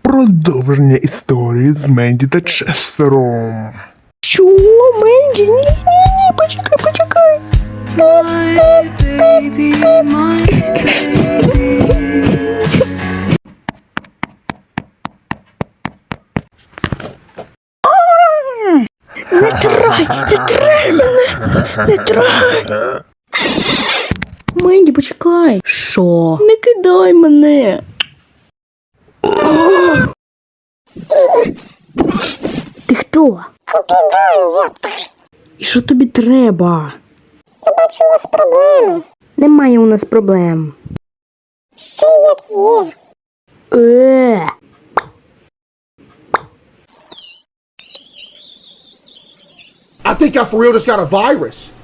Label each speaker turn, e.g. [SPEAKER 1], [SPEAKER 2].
[SPEAKER 1] Продовження історії з Менді та Честером.
[SPEAKER 2] Що, Менді? Ні, почекай.
[SPEAKER 3] My baby, my baby.
[SPEAKER 2] Не трай мене! Не трай! Менді, почекай! Що? Не кидай мене! Ти хто?
[SPEAKER 4] Піду, ёпта.
[SPEAKER 2] І що тобі треба?
[SPEAKER 4] Я бачу, у вас проблеми.
[SPEAKER 2] Немає у нас проблем.
[SPEAKER 4] Ще як є.
[SPEAKER 5] I think I for real just got a virus.